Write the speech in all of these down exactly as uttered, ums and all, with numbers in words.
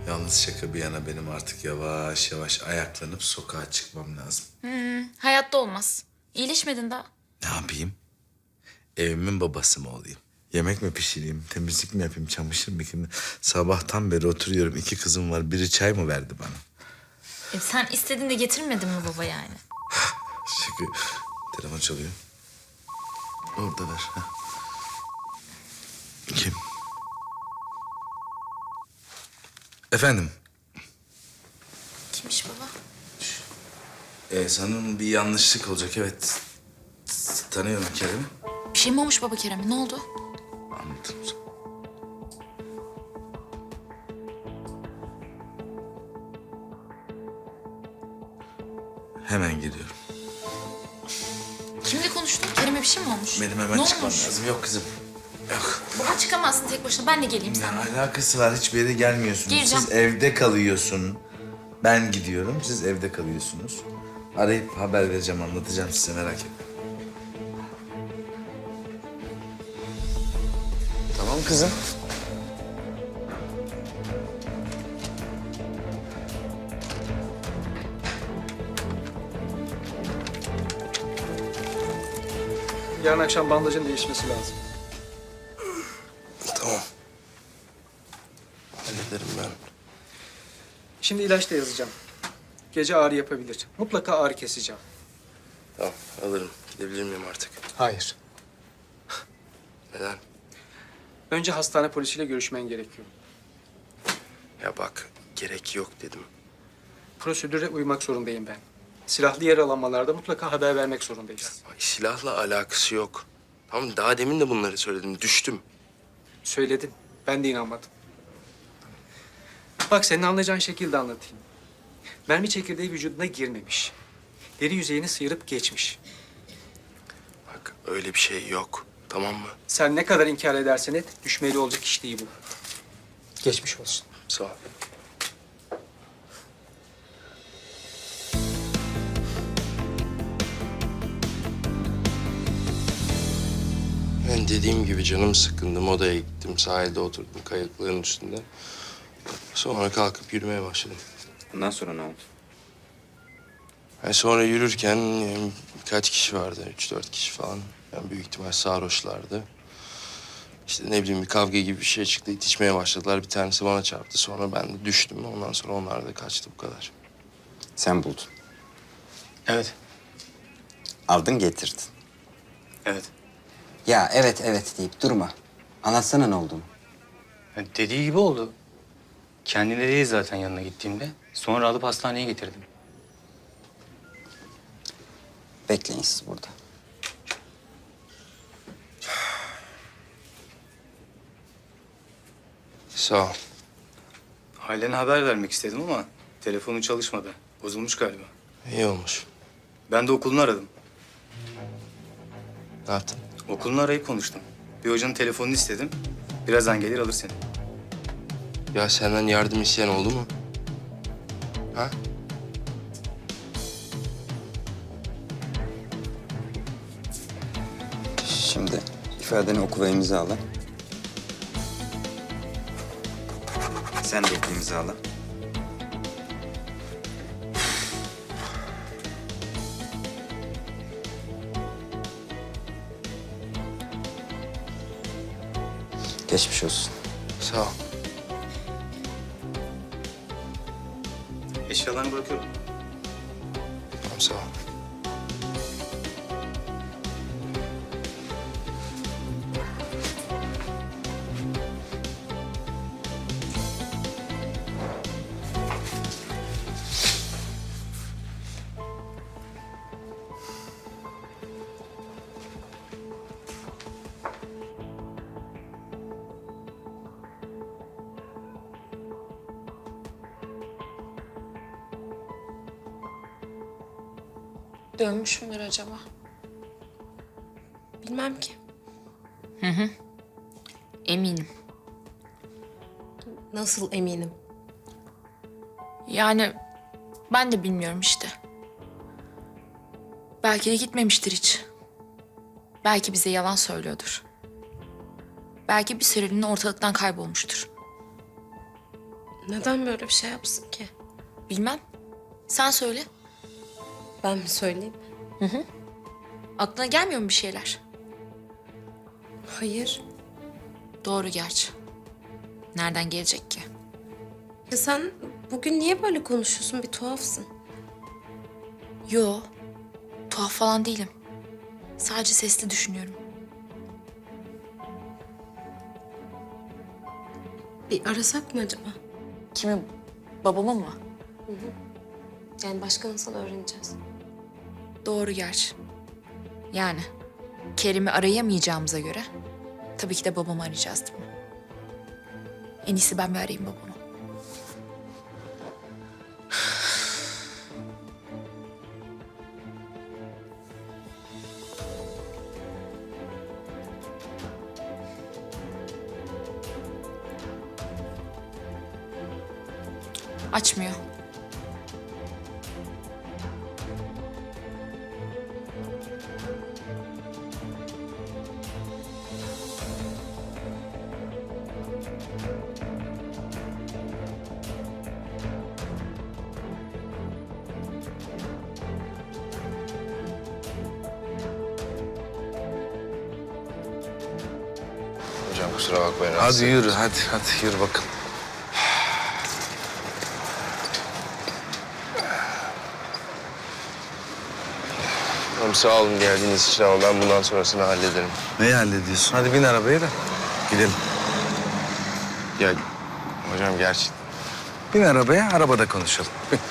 Yalnız şaka bir yana benim artık yavaş yavaş ayaklanıp sokağa çıkmam lazım. Hmm, hayatta olmaz. İyileşmedin daha. Ne yapayım? Evimin babası mı olayım? Yemek mi pişireyim, temizlik mi yapayım, çamaşır mı yıkayayım? Sabahtan beri oturuyorum. İki kızım var. Biri çay mı verdi bana? E, sen istediğinde getirmedin mi baba yani? Şaka. Telefon çalıyor. Orada ver. Heh. Kim? Efendim? Kimmiş baba? Ee, sanırım bir yanlışlık olacak. Evet. Tanıyorum Kerem'i. Bir şey mi olmuş baba Kerem'e? Ne oldu? Anlatırım sana. Hemen geliyorum. Kimle konuştun? Kerem'e bir şey mi olmuş? Benim hemen ne çıkmam olmuş? lazım. Yok kızım. Yok. Baba çıkamazsın tek başına. Ben de geleyim Ne seninle. alakası var? Hiçbir yere gelmiyorsunuz. Gireceğim. Siz evde kalıyorsun. Ben gidiyorum. Siz evde kalıyorsunuz. Arayıp haber vereceğim, anlatacağım size, merak etmeyin. Tamam kızım. Yarın akşam bandajın değişmesi lazım. Tamam. Hallederim ben. Şimdi ilaç da yazacağım. Gece ağrı yapabilir. Mutlaka ağrı keseceğim. Tamam, alırım. Gidebilir miyim artık? Hayır. Neden? Önce hastane polisiyle görüşmen gerekiyor. Ya bak, gerek yok dedim. Prosedüre uymak zorundayım ben. Silahlı yaralanmalarda mutlaka haber vermek zorundayız. Bak, silahla alakası yok. Tamam, daha demin de bunları söyledim. Düştüm. Söyledin. Ben de inanmadım. Bak senin anlayacağın şekilde anlatayım. Mermi çekirdeği vücuduna girmemiş. Deri yüzeyini sıyırıp geçmiş. Bak, öyle bir şey yok. Tamam mı? Sen ne kadar inkar edersen et, düşmeli olacak iş değil bu. Geçmiş olsun. Sağ ol. Ben dediğim gibi canım sıkkındı. Odaya gittim, sahilde oturdum kayıkların üstünde. Sonra kalkıp yürümeye başladım. Ondan sonra ne oldu? Yani sonra yürürken yani birkaç kişi vardı, üç dört kişi falan. Yani büyük ihtimal sarhoşlardı. İşte ne bileyim bir kavga gibi bir şey çıktı, itişmeye başladılar. Bir tanesi bana çarptı, sonra ben de düştüm. Ondan sonra onlar da kaçtı, bu kadar. Sen buldun. Evet, Aldın getirdin. evet. Ya evet evet deyip durma. Anlatsana ne olduğunu. Ya dediği gibi oldu. Kendine değil zaten yanına gittiğimde. Sonra alıp hastaneye getirdim. Bekleyin siz burada. Sağ ol. Ailene haber vermek istedim ama telefonu çalışmadı. Bozulmuş galiba. İyi olmuş. Ben de okulunu aradım. Ne yaptın? Okulunu arayıp konuştum. Bir hocanın telefonunu istedim. Birazdan gelir alır seni. Ya senden yardım isteyen oldu mu? Ha? Şimdi ifadeni oku ve imzala. Sen de oku imzala. Geçmiş olsun. Sağ ol. Eşyalarını bırakıyorum. Tamam, sağ ol. Dönmüş müdür acaba? Bilmem ki. Eminim. Nasıl eminim? Yani ben de bilmiyorum işte. Belki de gitmemiştir hiç. Belki bize yalan söylüyordur. Belki bir süreliğine ortalıktan kaybolmuştur. Neden böyle bir şey yapsın ki? Bilmem. Sen söyle. Ben mi söyleyeyim? Aklına gelmiyor mu bir şeyler? Hayır. Doğru gerçi. Nereden gelecek ki? Ya sen bugün niye böyle konuşuyorsun? Bir tuhafsın. Yo. Tuhaf falan değilim. Sadece sesli düşünüyorum. Bir arasak mı acaba? Kimi? Babamı mı? Yani başka nasıl öğreneceğiz? Doğru gerçi. Yani Kerim'i arayamayacağımıza göre tabii ki de babamı arayacağız değil mi? En iyisi ben bir arayayım babamı. Açmıyor. Hocam kusura bakmayın. Hadi rahatsız yürü ettim. hadi hadi yürü bakalım. Hocam sağ olun geldiğiniz için ama ben bundan sonrasını hallederim. Neyi hallediyorsun? Hadi bin arabaya da gidelim. Ya hocam gerçi Bin arabaya, arabada konuşalım. Bin.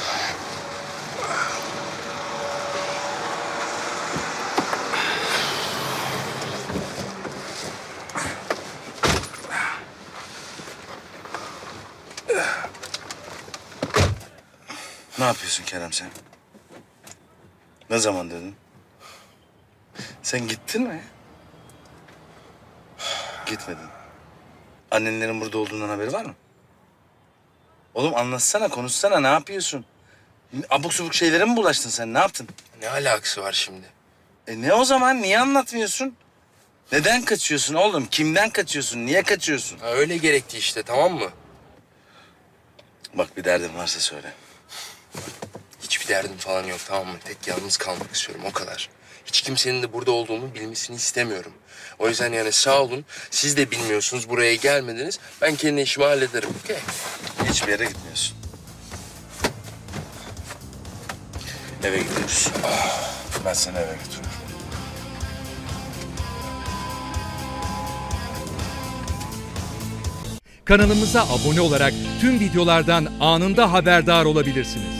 Ne yapıyorsun Kerem sen? Ne zaman dedin? Sen gittin mi? Gitmedin. Annenlerin burada olduğundan haberi var mı? Oğlum anlatsana, konuşsana. Ne yapıyorsun? Abuk subuk şeylere mi bulaştın sen? Ne yaptın? ne alakası var şimdi? E ne o zaman? Niye anlatmıyorsun? Neden kaçıyorsun oğlum? Kimden kaçıyorsun? Niye kaçıyorsun? Ha, öyle gerekti işte tamam mı? Bak bir derdin varsa söyle. Hiçbir derdim falan yok tamam mı? Tek yalnız kalmak istiyorum o kadar. Hiç kimsenin de burada olduğumu bilmesini istemiyorum. O yüzden yani sağ olun. Siz de bilmiyorsunuz buraya gelmediniz. Ben kendi işimi hallederim. Okey. Hiçbir yere gitmiyorsun. Eve gidiyoruz. Ben seni eve götürürüm. Kanalımıza abone olarak tüm videolardan anında haberdar olabilirsiniz.